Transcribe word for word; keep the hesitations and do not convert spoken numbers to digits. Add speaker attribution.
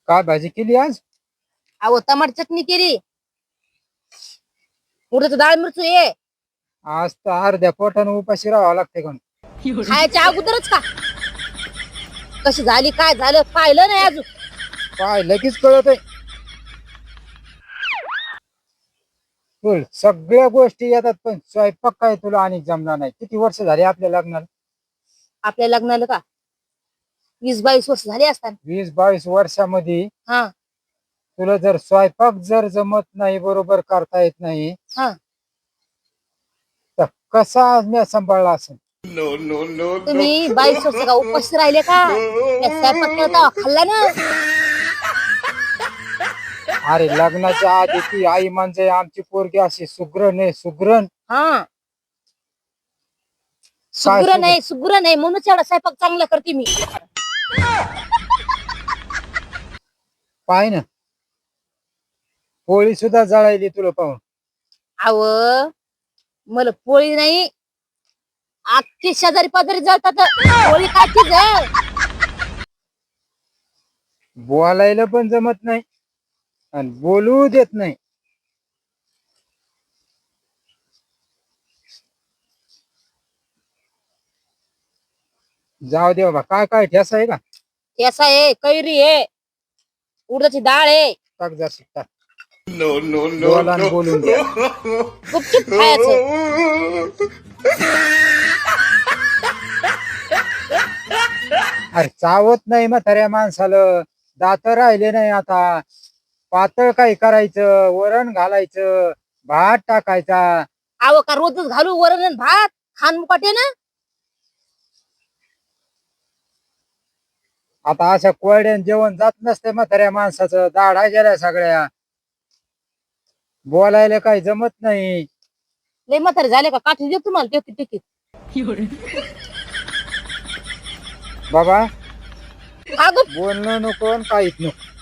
Speaker 1: काय भाजी केली आज?
Speaker 2: अहो टमाट चटणी केली. उडदाचं डाळ मिरचू ये
Speaker 1: आज तर अर्ध्या पोटानं उपाशी राहावं लागते कोण.
Speaker 2: खायच्या अगोदरच का कशी झाली काय झालं पाहिलं नाही अजून.
Speaker 1: काय लगेच कळत आहे. बोल, सगळ्या गोष्टी येतात पण स्वयंपाक काय तुला आणि जमणार नाही. किती वर्ष झाली आपल्या लग्नाला?
Speaker 2: आपल्या लग्नाला का वीस बावीस वर्ष झाली असतात.
Speaker 1: वीस बावीस वर्षामध्ये
Speaker 2: हा
Speaker 1: तुला जर स्वयंपाक जर जमत नाही, बरोबर करता येत नाही,
Speaker 2: हा
Speaker 1: तर कसा आज मी सांभाळला असेल?
Speaker 2: तुम्ही बावीस वर्ष का उपाशी राहिले का? मी स्वयंपाक केला खाल्ला ना.
Speaker 1: अरे लग्नाच्या आधी ती आई म्हणजे आमची पोरगी अशी सुग्रण आहे, सुग्रण.
Speaker 2: हा सुग्र नाही सुग्र नाही म्हणूनच एवढा स्वयंपाक चांगला करते मी.
Speaker 1: पाय ना, पोळी सुद्धा जळायली तुला पाहून.
Speaker 2: अव मला पोळी नाही अख्खी शेजारी पाजारी जळतात. पोळी काय चीज आहे?
Speaker 1: बोलायला पण जमत नाही आणि बोलू देत नाही. जाऊ दे बाबा. काय काय ठेसा आहे का?
Speaker 2: ठेसा आहे, कैरी आहे, उडदाची डाळ आहे.
Speaker 1: टाक जा शिकता. बोला आणि बोलून द्या.
Speaker 2: गुपचूप खायचं.
Speaker 1: अरे चावत नाही म्हाताऱ्या माणसाला. दात राहिले नाही आता. पातळ काही करायचं, वरण घालायचं, भात टाकायचा.
Speaker 2: अहो का रोजच घालू वरण आणि भात खान मुकाटे ना.
Speaker 1: आता अशा कोरड्यान जेवण जात नसते म्हाताऱ्या माणसाचं. दाढा गेल्या सगळ्या. बोलायला काही जमत नाही.
Speaker 2: लय म्हातारे झाले का काठी देऊ तुम्हाला टेकी टेकी.
Speaker 1: बाबा
Speaker 2: अगं
Speaker 1: बोलणं नको आणि काहीच नको.